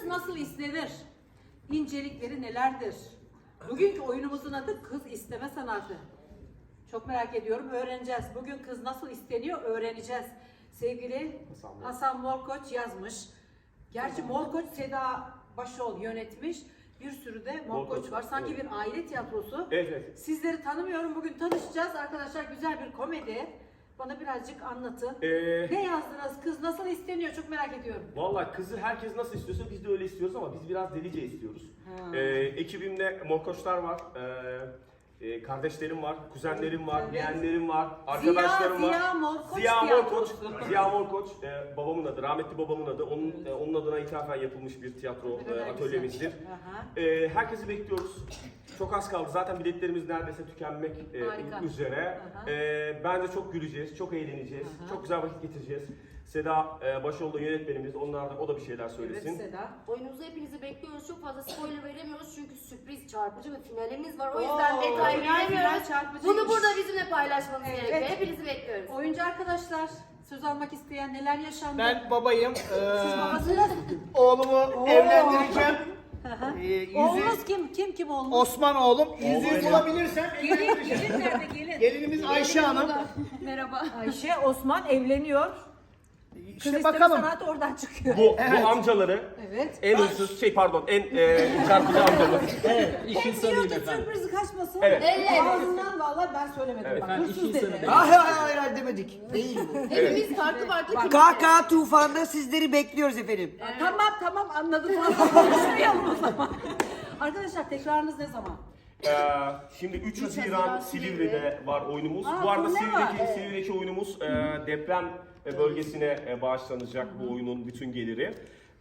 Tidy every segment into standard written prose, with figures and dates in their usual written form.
nasıl istenir? İncelikleri nelerdir? Bugünkü oyunumuzun adı kız isteme sanatı. Çok merak ediyorum, öğreneceğiz. Bugün kız nasıl isteniyor öğreneceğiz. Sevgili Hasan Morkoç yazmış. Gerçi Morkoç Seda Başol yönetmiş. Bir sürü de Morkoç var. Sanki bir aile tiyatrosu. Evet. Sizleri tanımıyorum. Bugün tanışacağız. Arkadaşlar güzel bir komedi. Bana birazcık anlatın. Ne yazdınız? Kız nasıl isteniyor? Çok merak ediyorum. Vallahi kızı herkes nasıl istiyorsa biz de öyle istiyoruz ama biz biraz delice istiyoruz. Ekibimde morkoçlar var. Kardeşlerim var, kuzenlerim var, Evet. yeğenlerim var, arkadaşlarım var. Ziya Morkoç Ziya Morkoç, tiyatrosu. Ziya Morkoç, babamın adı, rahmetli babamın adı. Onun adına ithafen yapılmış bir tiyatro atölyemizdir. Herkesi bekliyoruz. Çok az kaldı. Zaten biletlerimiz neredeyse tükenmek üzere. Bence çok güleceğiz, çok eğleneceğiz, çok güzel vakit geçireceğiz. Seda Başoğlu yönetmenimiz, o da bir şeyler söylesin. Evet Seda. Oyunumuza hepinizi bekliyoruz. Çok fazla spoiler veremiyoruz çünkü sürpriz, çarpıcı ve finalimiz var. O yüzden detay veremiyoruz. Bunu burada bizimle paylaşmanız gerekiyor. Hepinizi bekliyoruz. Oyuncu arkadaşlar, söz almak isteyen neler yaşandı? Ben babayım. Siz babasınız. Oğlumu evlendireceğim. Oğlunuz kim oğlunuz? Osman oğlum. Yüzüğü bulabilirsem evlendireceğim. Gelin nerede gelin? Gelinimiz Ayşe Hanım. Merhaba. Ayşe, Osman evleniyor. Kız İşte isteme bakalım. sanatı oradan çıkıyor. Bu amcaları Evet. en hırsız, en çarpıcı amcamız. Hep diyor ki sürpriz kaçmasın. Evet. Ağzından vallahi ben söylemedim. Evet. Bak, hırsız dedi. Hayır demedik. Değil bu. Hepimiz farklı farklı KK Tufan'da sizleri bekliyoruz efendim. Tamam anladım. Konuşmayalım o zaman. Arkadaşlar tekrarınız ne zaman? Şimdi 3 Haziran Silivri'de var oyunumuz. Aa, Bu arada turne var. Silivri'deki oyunumuz deprem bölgesine bağışlanacak bu oyunun bütün geliri.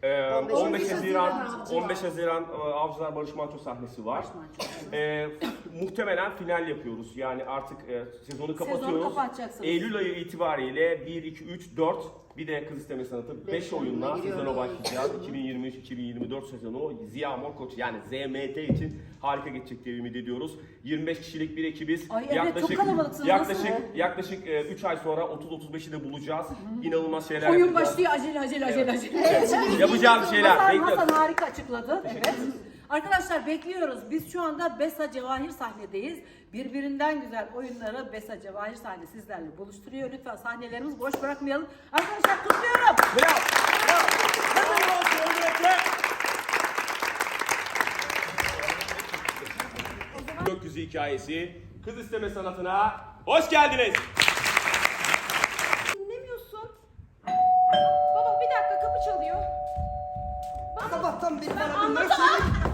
15 Haziran Avcılar Barış Manço sahnesi var. Muhtemelen final yapıyoruz. Yani artık sezonu kapatıyoruz. kapatacaksınız. Eylül ayı itibariyle 1, 2, 3, 4 bir de Kız İsteme Sanatı 5 oyunla sezona başlayacağız. 2023-2024 sezonu Ziya Morkoç yani ZMT için harika geçecek diye ümit ediyoruz. 25 kişilik bir ekibiz. Ay evet, çok kalabalıksınız. Yaklaşık 3 ay sonra 30-35'i de bulacağız. İnanılmaz şeyler Oyun yapacağız. başlıyor acele. Yapacağımız şeyler. Hasan harika açıkladı. Evet. Arkadaşlar bekliyoruz. Biz şu anda Besa Cevahir sahnedeyiz. Birbirinden güzel oyunları Besa Cevahir sahne sizlerle buluşturuyor. Lütfen sahnelerimizi boş bırakmayalım. Arkadaşlar kutluyorum. Gökyüzü hikayesi Kız İsteme Sanatı'na hoş geldiniz. Dinlemiyorsun. Baba bir dakika kapı çalıyor. Sabahtan beri bana bunları söyle.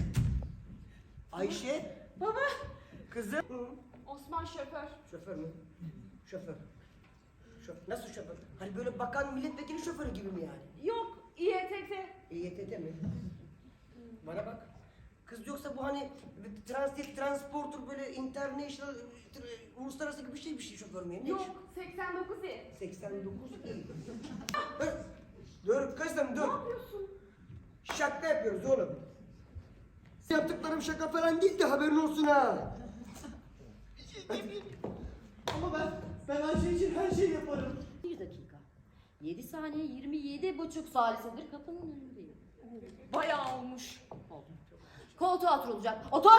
Ayşe. Baba. Kızım. Osman şoför. Şoför mü? Şoför. Nasıl şoför? Hani böyle bakan milletvekili şoförü gibi mi yani? Yok İETT. İETT mi? Bana bak. Kız yoksa bu hani transporter böyle international uluslararası gibi bir şey şoför mü? Ne Yok iş? 89 İ. 89 iyi. Dur kızım dur. Ne yapıyorsun? Şaka yapıyoruz oğlum. Yaptıklarım şaka falan değil de haberin olsun ha. Ama ben Ayşe için her şeyi yaparım. 1 dakika. 7 saniye 27,5 salisedir kapının önündeyim. Bayağı olmuş. Koltuğa oturulacak. Otur!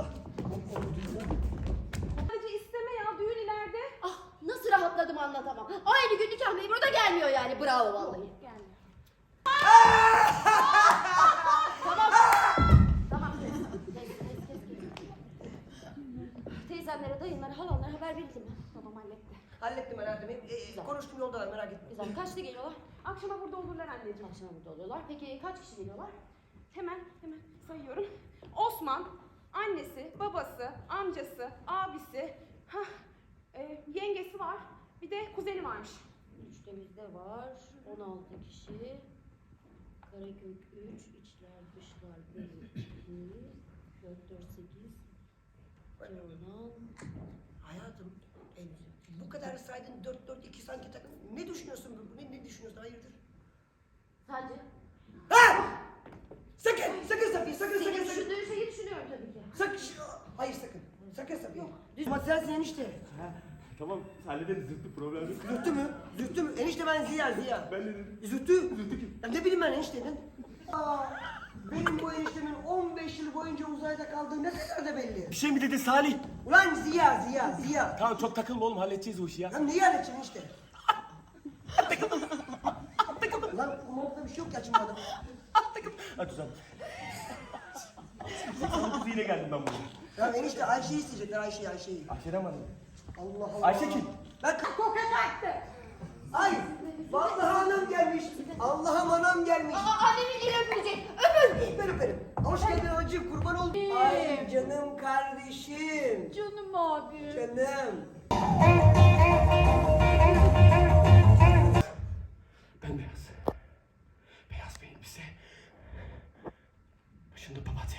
Sadece isteme ya düğün ileride. Ah nasıl rahatladım anlatamam. Aynı gün nikah memuru da gelmiyor yani. Bravo vallahi. Gelmiyor. Tamam. Tamam. Kes. Teyzemlere, dayımlara, halamlara haber verildi mi? Babam halletti. Hallettim hayatım. Konuştum yoldalar merak etme. Güzel. Kaçta geliyorlar? Akşama burada olurlar anneciğim. Akşam burada oluyorlar. Peki kaç kişi geliyorlar? Hemen sayıyorum. Osman, annesi, babası, amcası, abisi, yengesi var. Bir de kuzeni varmış. Üçtemizde var. 16 kişi. Karakök 3, içler dışlar 1, 2, 4, 4, 8. Kenan. Hayatım bu kadar saydın 4-4-2 sanki takım. Ne düşünüyorsun bu? Ne düşünüyorsun? Hayırdır? Sence? Ha! Sakın Safiye sakın. Senin düşündüğün şeyi düşünüyorum tabii ki. Sakın. Hayır sakın. Sakın Safiye. Düz sensin enişte. Tamam hallederiz problem yok. Zühtü mü? Enişte ben Ziya. Ben de dedim. Zühtü kim? Ya ne bileyim ben enişte. Benim bu eniştemin 15 yıl boyunca uzayda kaldığı ne kadar da belli. Bir şey mi dedi Salih? Ulan Ziya. Tamam çok takılma oğlum halledeceğiz o işi ya. Ya neyi halledeceksin işte? Ulan kumanda bir şey yok ya şimdi adam. Hadi uzan. 89 yine geldim ben buraya. Ya enişte Ayşe'yi isteyecekler Ayşe'yi. Ayşe'den mi arayayım? Allah Allah. Ayşe kim? Ben koket attı. Ay vallahi anam gelmiş. Allah'ım anam gelmiş. Annemin eli öpülecek. Öpün. Ben öperim. Hoş geldin acım kurban oldum. Ay canım kardeşim. Canım abi. Canım. Bembeyaz. Beyaz bir elbise. Başında papatya.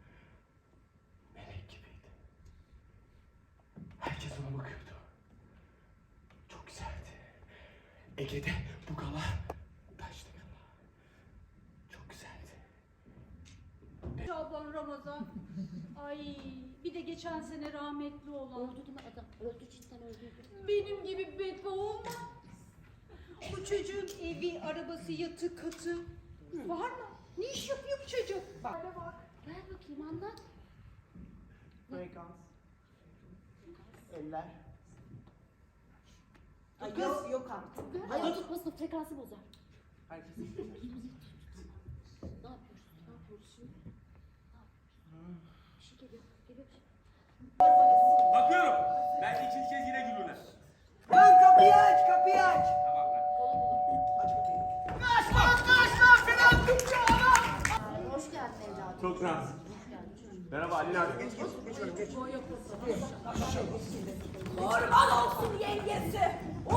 Melek gibiydi. Herkes ona bakıyordu. Çok güzeldi. Ege'de bu gala taşlı gala. Çok güzeldi. Şaban Ramazan. Ay bir de geçen sene rahmetli olan. Oldu değil mi adam? Öldü cidden öldü. Benim gibi bedba olma. Bu çocuğun evi, arabası, yatı, katı var mı? Ne iş yapıyor bu çocuk? Bak. Ver bakayım anlat. Frekans. Eller. Ay, yok artık. Ayağın tutmasın frekansı bozar. Herkes. Ne yapıyoruz? Ne yapıyoruz şimdi? Bir şey geliyor. Geliyor bir şey. Bakıyorum. Belki ikinci kez yine gülürler. Lan kapıyı aç. Tamam lan. Aç kapıyı. Hoş geldin evladım. Çok nazik. Merhaba Ali Nazik. Geç oğlum geç. Kurban olsun yengesi.